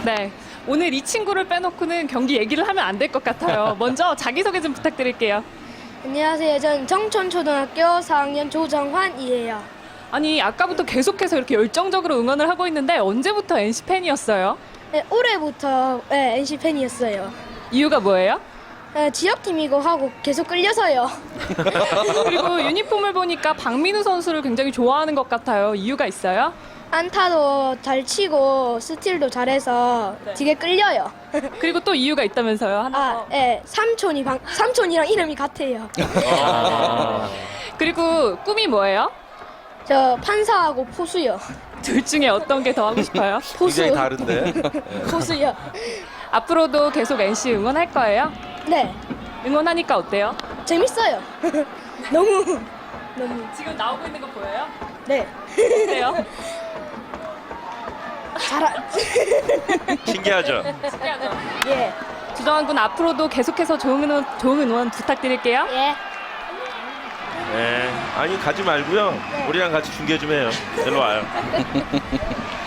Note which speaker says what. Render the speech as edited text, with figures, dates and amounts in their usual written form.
Speaker 1: 네. 오늘 이 친구를 빼놓고는 경기 얘기를 하면 안 될 것 같아요. 먼저 자기소개 좀 부탁드릴게요.
Speaker 2: 안녕하세요. 전 정촌초등학교 4학년 조정환이에요.
Speaker 1: 아니, 아까부터 계속해서 이렇게 열정적으로 응원을 하고 있는데 언제부터 NC 팬이었어요?
Speaker 2: 네, 올해부터 NC 팬이었어요.
Speaker 1: 이유가 뭐예요?
Speaker 2: 지역팀이고 하고 계속 끌려서요.
Speaker 1: 그리고 유니폼을 보니까 박민우 선수를 굉장히 좋아하는 것 같아요. 이유가 있어요?
Speaker 2: 안타도 잘 치고 스틸도 잘해서
Speaker 1: 네.
Speaker 2: 되게 끌려요.
Speaker 1: 그리고 또 이유가 있다면서요? 하나 더.
Speaker 2: 삼촌이랑 이름이 같아요.
Speaker 1: 그리고 꿈이 뭐예요?
Speaker 2: 저 판사하고 포수요.
Speaker 1: 둘 중에 어떤 게 더 하고 싶어요?
Speaker 2: 포수.
Speaker 3: 굉장히 다른데.
Speaker 2: 포수요.
Speaker 1: 앞으로도 계속 NC 응원할 거예요?
Speaker 2: 네,
Speaker 1: 응원하니까 어때요?
Speaker 2: 재밌어요. 너무.
Speaker 1: 지금 나오고 있는 거 보여요?
Speaker 2: 네.
Speaker 1: 어때요?
Speaker 3: 신기하죠?
Speaker 1: 신기하죠?
Speaker 2: 예.
Speaker 1: 주정환 군 앞으로도 계속해서 좋은 응원 부탁드릴게요.
Speaker 2: 예.
Speaker 3: 네. 아니 가지 말고요. 우리랑 같이 중계 좀 해요. 일로 와요.